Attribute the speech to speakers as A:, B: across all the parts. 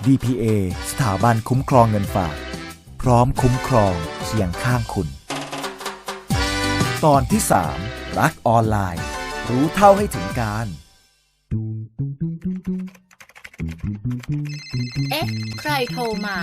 A: DPA สถาบันคุ้มครองเงินฝากพร้อมคุ้มครองเคียงข้างคุณตอนที่ 3 รักออนไลน์รู้เท่าให้ถึงการ
B: เอ๊ะใครโทรมา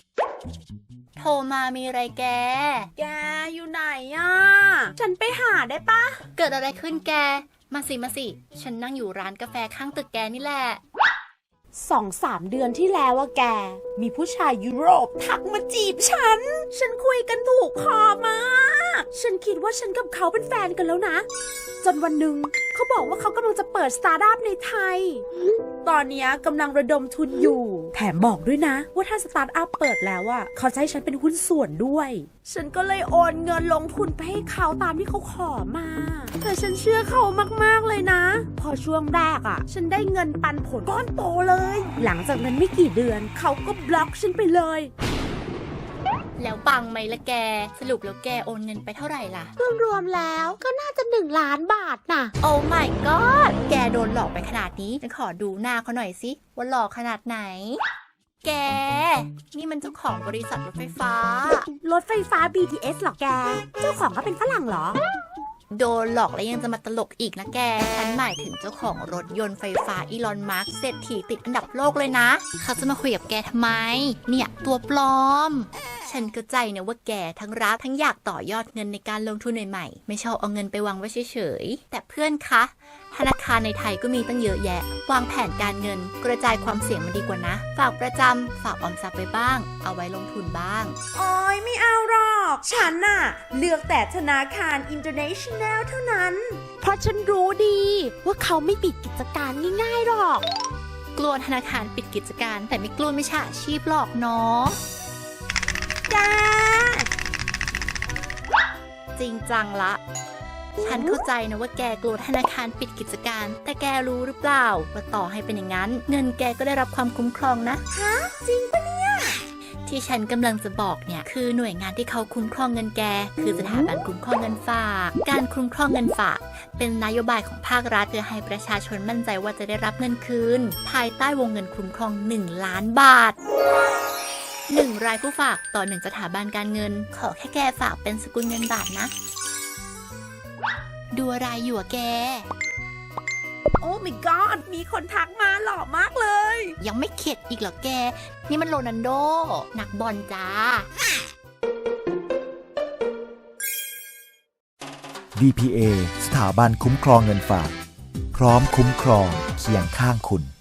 B: มีอะไรแก
C: อยู่ไหนอ่ะฉันไปหาได้ปะ
B: เกิดอะไรขึ้นแกมาสิฉันนั่งอยู่ร้านกาแฟข้างตึกแกนี่แหละ
C: 2-3 เดือนที่แล้วอะแกมีผู้ชายยุโรปทักมาจีบฉันคุยกันถูกคอมากฉันคิดว่าฉันกับเขาเป็นแฟนกันแล้วนะจนวันหนึ่งเขาบอกว่าเขากำลังจะเปิดสตาร์ทอัพในไทยตอนนี้กำลังระดมทุนอยู่แถมบอกด้วยนะว่าถ้าสตาร์ทอัพเปิดแล้วอะเขาจะให้ฉันเป็นหุ้นส่วนด้วยฉันก็เลยโอนเงินลงทุนไปให้เขาตามที่เขาขอมาแต่ฉันเชื่อเขามากๆเลยนะพอช่วงแรกอะฉันได้เงินปันผลก้อนโตเลยหลังจากนั้นไม่กี่เดือนเขาก็บล็อกฉันไปเลย
B: แล้วปังไหมละแกสรุปแล้วแกโอนเงินไปเท่าไหร่ล่ะ
C: รวมๆแล้วก็น่าจะ1 ล้านบาทน่ะ
B: โอ้ my god แกโดนหลอกไปขนาดนี้ฉันขอดูหน้าเขาหน่อยสิว่าหลอกขนาดไหนแกนี่มันเจ้าของบริษัทรถไฟฟ้า
C: BTS หรอแกเจ้าของเขาเป็นฝรั่งเหรอ
B: โดนหลอกแล้วยังจะมาตลกอีกนะแกฉันหมายถึงเจ้าของรถยนต์ไฟฟ้าอีลอนมาร์กเศรษฐีติดอันดับโลกเลยนะเขาจะมาคุยกับแกทำไมเนี่ยตัวปลอมฉันเข้าใจนะว่าแกทั้งรักทั้งอยากต่อยอดเงินในการลงทุนใหม่ๆไม่ชอบเอาเงินไปวางไว้เฉยๆแต่เพื่อนคะธนาคารในไทยก็มีตั้งเยอะแยะวางแผนการเงินกระจายความเสี่ยงมันดีกว่านะฝากประจำฝากออมทรัพย์ไปบ้างเอาไว้ลงทุนบ้าง
C: โอ้ยไม่เอาหรอกฉันน่ะเลือกแต่ธนาคาร International เท่านั้นเพราะฉันรู้ดีว่าเขาไม่ปิดกิจการง่ายๆหรอก
B: กลัวธนาคารปิดกิจการแต่ไม่กลัวมิจฉาชีพหรอกเนาะจริงจังละฉันเข้าใจนะว่าแกกลัวธนาคารปิดกิจการแต่แกรู้หรือเปล่าว่าต่อให้เป็นอย่างนั้นเงินแกก็ได้รับความคุ้มครองนะ
C: ฮะจริงปะเนี่ย
B: ที่ฉันกำลังจะบอกเนี่ยคือหน่วยงานที่เขาคุ้มครองเงินแกคือสถาบันคุ้มครองเงินฝากการคุ้มครองเงินฝากเป็นนโยบายของภาครัฐเพื่อให้ประชาชนมั่นใจว่าจะได้รับเงินคืนภายใต้วงเงินคุ้มครอง1 ล้านบาท1 รายผู้ฝากต่อ1 สถาบันการเงินขอแค่แกฝากเป็นสกุลเงินบาทนะดูอะไรอยู่อะแก
C: โอ้ my god มีคนทักมาหล่อมากเลย
B: ยังไม่เข็ดอีกเหรอแกนี่มันโรนัลโดนักบอลจ้า
A: DPA สถาบันคุ้มครองเงินฝากพร้อมคุ้มครองเคียงข้างคุณ